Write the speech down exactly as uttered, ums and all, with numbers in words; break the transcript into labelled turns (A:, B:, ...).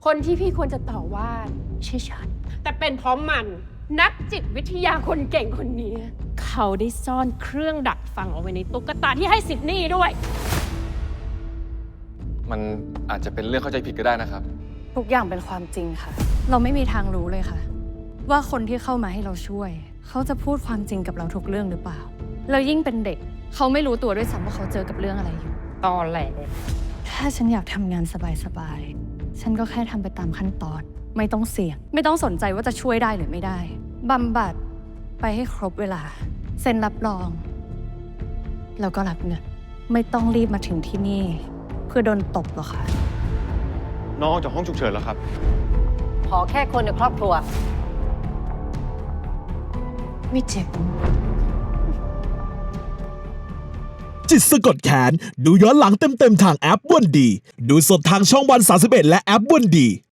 A: คนที่พี่ควรจะต่อว่าไม่ใช่ฉัน แต่เป็นเพราะมันนักจิตวิทยาคนเก่งคนนี้ เขาได้ซ่อนเครื่องดักฟังเอาไว้ในตุ๊กตาที่ให้ซิดนีย์ด้วย
B: มันอาจจะเป็นเรื่องเข้าใจผิดก็ได้นะครับ
C: ทุกอย่างเป็นความจริงค่ะ เราไม่มีทางรู้เลยค่ะ ว่าคนที่เข้ามาให้เราช่วย เขาจะพูดความจริงกับเราทุกเรื่องหรือเปล่า แล้วยิ่งเป็นเด็ก เขาไม่รู้ตัวด้วยซ้ำว่าเขาเจอกับเรื่องอะไรอยู่
A: ตอนแหล
C: ถ้าฉันอยากทำงานสบายๆ ฉันก็แค่ทำไปตามขั้นตอน ไม่ต้องเสี่ยง ไม่ต้องสนใจว่าจะช่วยได้หรือไม่ได้บำบัดไปให้ครบเวลา เซ็นรับรอง แล้วก็รับเงิน ไม่ต้องรีบมาถึงที่นี่ เพื่อโดนตบหรอกค่ะ
D: น้องออกจากห้องฉุกเฉินแล้วครับ
E: ขอแค่คนในครอบครัว
C: ไม่เจ็บ
F: จิตสะกดแขนดูย้อนหลังเต็มๆทางแอปวันดี ดูสดทางช่องวันสามสิบเอ็ดและแอปวันดี